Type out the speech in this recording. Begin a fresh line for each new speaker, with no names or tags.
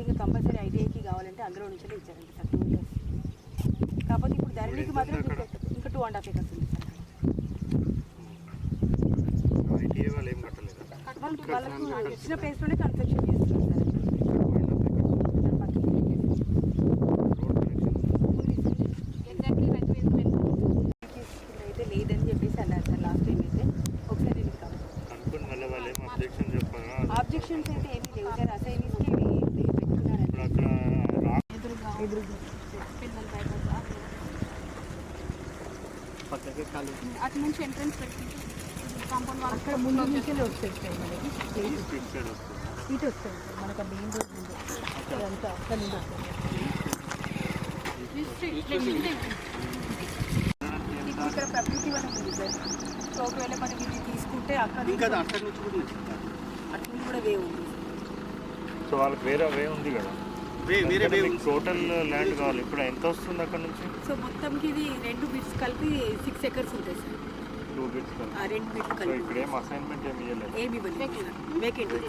ఇక కంపల్సరీ ఐటీఐకి కావాలంటే అందులో నుంచి ఇచ్చారండి సార్ 2 years. కాకపోతే ఇప్పుడు ధరణికి మాత్రం ఇంకా 2.5 acres ఉంది సార్. వాళ్ళకు ఇచ్చిన ప్లేస్లోనే కన్స్ట్రక్షన్ చేస్తున్నారు సార్. అయితే లేదని చెప్పేసి అన్నారు సార్ లాస్ట్ టైం అయితే. ఒకసారి ఆబ్జెక్షన్స్ అయితే ఏమీ లేవు సార్. అసైనీస్కి పెట్టుకున్నారండి అటు నుంచి ఎంట్రన్స్ పెట్టుకుంటే కాంపౌండ్ వాళ్ళు అక్కడ ముందు నుంచి వస్తుంది సార్. మనకి ఇటు వస్తుంది సార్. మనకు మెయిన్ రోడ్ ముందు అదంతా అక్కడ నుండి వస్తుంది. ఇక్కడ ప్రకృతి వనం ఉంది సార్. సో ఒకవేళ మనకి ఇది తీసుకుంటే అక్కడ అటు కూడా వే ఉంది.
సో వాళ్ళకి వేరే వే ఉంది కదా, టోటల్ ల్యాండ్ కావాలి. ఇప్పుడు ఎంత వస్తుంది అక్కడ నుంచి?
సో మొత్తంకి ఇది 2 బిట్స్ కలిపి 6 acres ఉంటాయి సార్.
2 బిట్స్
2 బిట్లు కలిపి.
ఇక్కడ ఏం అసైన్మెంట్ ఏమి ఇవ్వలేదు,
ఏమి ఇవ్వలేదు, వేకెంట్.